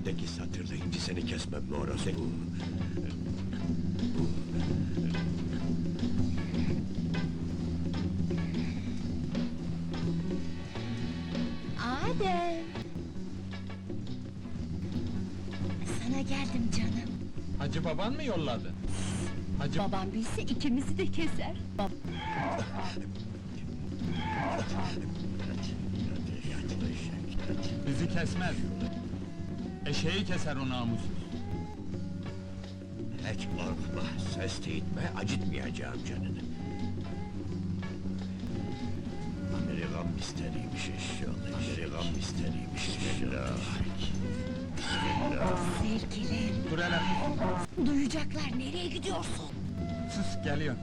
Kesmemdeki satırla inci seni kesmem mi orası? Adem! Sana geldim canım. Hacı baban mı yolladı? Hacı Babam bilse ikimizi de keser. bizi kesmez. Eşeği keser o namussuz. Hiç korkma, ses teyitme, acıtmayacağım canını. Amerikan misteriymiş eşyalı, Amerikan misteriymiş eşyalı. Sevgilim, Dur hele, duyacaklar, nereye gidiyorsun? sus geliyor.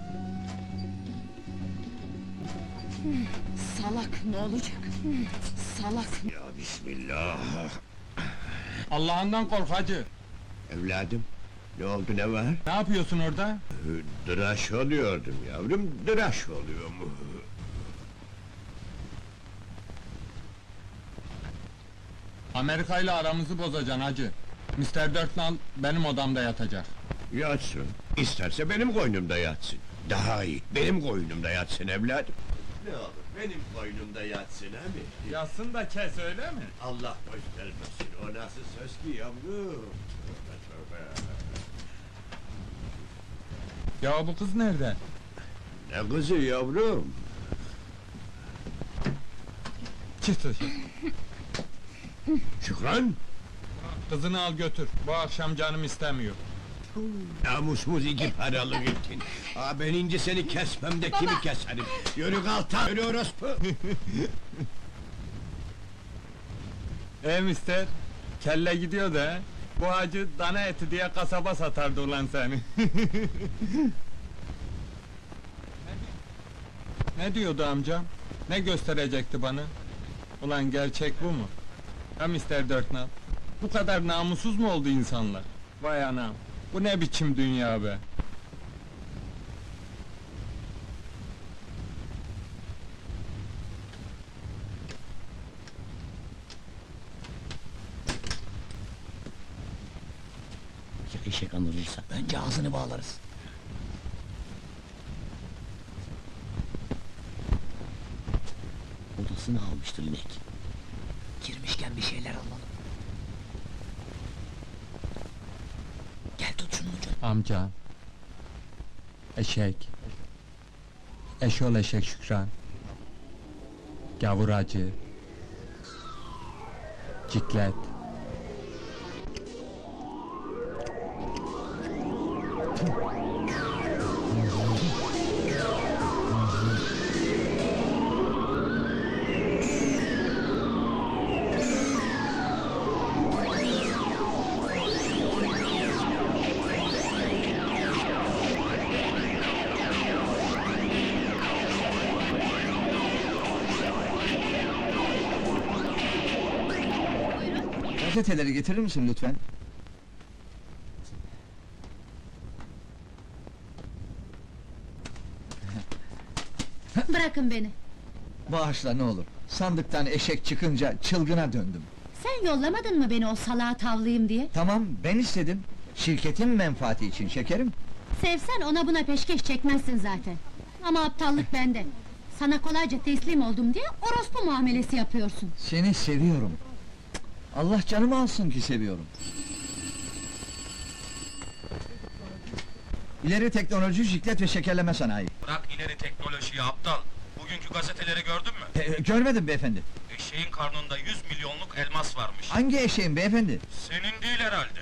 Salak, ne olacak? Salak! Ya bismillah! Allah'ından kork hacı. Evladım, ne oldu, ne var? Ne yapıyorsun orada? Dıraş oluyordum yavrum, dıraş oluyorum. Amerika ile aramızı bozacaksın hacı. Mr. Dörtnal benim odamda yatacak. Yatsın, isterse benim koynumda yatsın. Daha iyi, benim koynumda yatsın evladım. Ne olur, benim koynumda yatsın abi. Yatsın da kes öyle mi? Allah göstermesin, o nasıl söz ki yavrum? Tövbe tövbe! Ya bu kız nerede? Ne kızı yavrum? Çık dışarı. Şükran! Kızını al götür. Bu akşam canım istemiyor. Namusumuz iki paralık ettin. Ben ince seni kesmem de kimi keserim? Yürü kalta, yürü orospu! Mister, kelle gidiyor da, bu hacı dana eti diye kasaba satardı ulan seni. Ne diyordu amcam? Ne gösterecekti bana? Ulan gerçek bu mu? Ha Mr. Dörtnal? Bu kadar namussuz mu oldu insanlar? Vay anam, bu ne biçim dünya be? Ya eşek anılırsa önce ağzını bağlarız. Odasını almıştır inek. Girmişken bir şeyler alalım. Gel tut şunun ucunu. Amca. Eşek. Eşol eşek Şükran. Gavur acı. Ciklet. Gazeteleri getirir misin lütfen? Bırakın beni! Bağışla ne olur. Sandıktan eşek çıkınca çılgına döndüm. Sen yollamadın mı beni o salağa tavlayayım diye? Tamam, ben istedim. Şirketin menfaati için şekerim. Sevsen ona buna peşkeş çekmezsin zaten. Ama aptallık bende. Sana kolayca teslim oldum diye orospu muamelesi yapıyorsun. Seni seviyorum. Allah canımı alsın ki seviyorum. İleri teknoloji, jiklet ve şekerleme sanayi. Bırak ileri teknolojiyi aptal. Bugünkü gazeteleri gördün mü? Görmedim beyefendi. Eşeğin karnında 100 milyonluk elmas varmış. Hangi eşeğin beyefendi? Senin değil herhalde.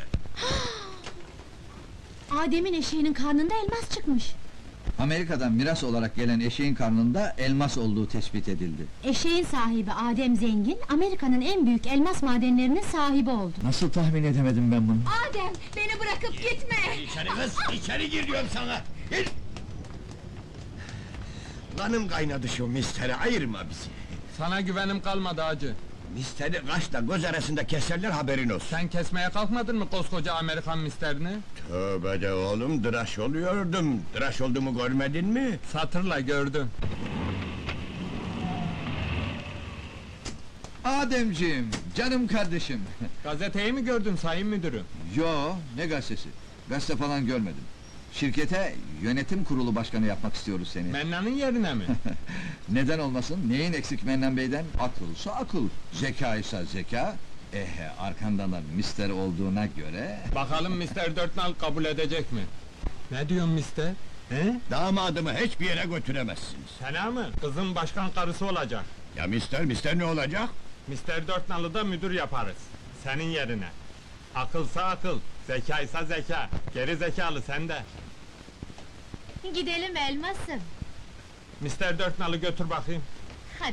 Adem'in eşeğinin karnında elmas çıkmış. Amerika'dan miras olarak gelen eşeğin karnında elmas olduğu tespit edildi. Eşeğin sahibi Adem Zengin, Amerika'nın en büyük elmas madenlerinin sahibi oldu. Nasıl tahmin edemedim ben bunu? Adem, beni bırakıp gitme! İçeri kız, içeri gir diyorum sana! Gir! Kanım kaynadı şu mistere, ayırma bizi! Sana güvenim kalmadı hacı. Misteri kaşla göz arasında keserler, haberin olsun! Sen kesmeye kalkmadın mı koskoca Amerikan misterini? Tövbe de oğlum, tıraş oluyordum! Tıraş olduğumu görmedin mi? Satırla gördüm. Ademciğim, canım kardeşim. Gazeteyi mi gördün sayın müdürüm? Yo, ne gazetesi? Gazete falan görmedim. Şirkete yönetim kurulu başkanı yapmak istiyoruz seni. Mennan'ın yerine mi? Neden olmasın? Neyin eksik Mennan Bey'den? Akılsa akıl, zeka ise zeka. Arkandan da mister olduğuna göre... Bakalım Mr. Dörtnal kabul edecek mi? Ne diyorsun mister? He? Damadımı hiçbir yere götüremezsiniz. Fena mı? Kızın başkan karısı olacak. Ya mister ne olacak? Mr. Dörtnal'ı da müdür yaparız. Senin yerine. Akılsa akıl, zekaysa zeka. Geri zekalı sende. Gidelim elmasım. Mr. Dörtnal'ı götür bakayım. Hadi.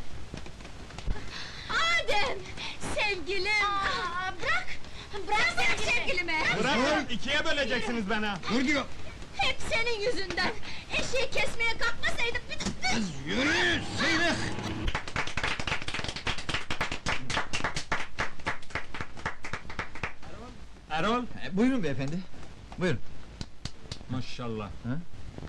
Adem! Sevgilim! Bırak! Bırak sevgilimi! Bırakın, ikiye böleceksiniz beni. Dur diyor! Hep senin yüzünden! Eşeği kesmeye kalkmasaydım... Kız yürü! Sıyrık! Erol. Buyurun beyefendi. Buyurun. Maşallah. Ha?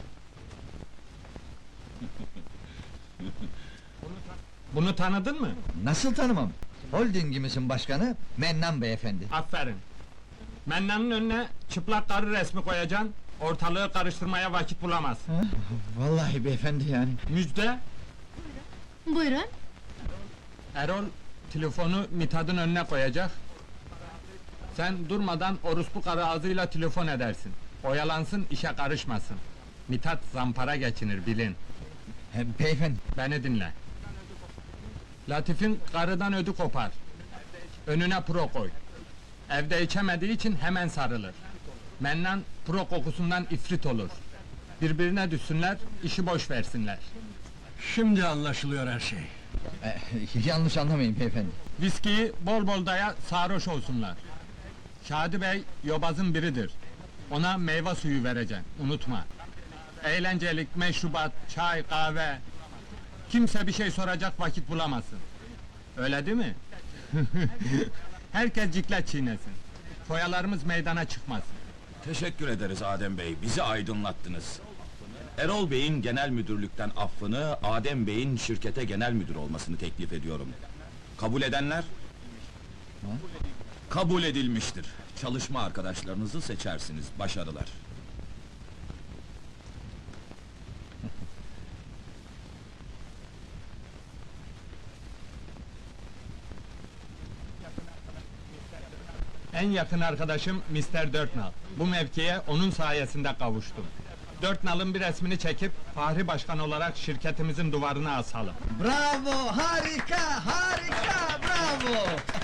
Bunu tanıdın mı? Nasıl tanımam? Holdingimizin başkanı Mennan beyefendi. Aferin. Mennan'ın önüne çıplak karı resmi koyacaksın, ortalığı karıştırmaya vakit bulamaz. Vallahi beyefendi yani. Müjde, Buyurun. Erol telefonu Mithat'ın önüne koyacak. Sen durmadan orospu karı ağzıyla telefon edersin. Oyalansın, işe karışmasın. Mithat zampara geçinir, bilin. Beyefendi, Beni dinle. Latif'in karıdan ödü kopar. Önüne pro koy. Evde içemediği için hemen sarılır. Mennan pro kokusundan ifrit olur. Birbirine düşsünler, işi boş versinler. Şimdi anlaşılıyor her şey. yanlış anlamayın beyefendi. Viskiyi bol bol daya, sarhoş olsunlar. Şadi Bey, yobazın biridir. Ona meyve suyu vereceksin, unutma. Eğlencelik, meşrubat, çay, kahve... Kimse bir şey soracak vakit bulamasın. Öyle değil mi? Herkes ciklet çiğnesin. Foyalarımız meydana çıkmasın. Teşekkür ederiz Adem Bey, bizi aydınlattınız. Erol Bey'in genel müdürlükten affını, Adem Bey'in şirkete genel müdür olmasını teklif ediyorum. Kabul edenler? Kabul edilmiştir. Çalışma arkadaşlarınızı seçersiniz, başarılar. En yakın arkadaşım Mr. Dörtnal. Bu mevkiye onun sayesinde kavuştum. Dörtnal'ın bir resmini çekip Fahri Başkan olarak şirketimizin duvarına asalım. Bravo, harika, harika, bravo!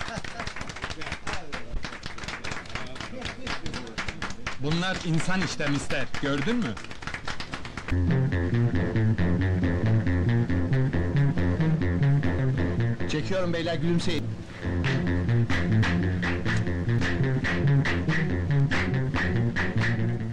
Bunlar insan işte mister, gördün mü? Çekiyorum beyler, gülümseyin.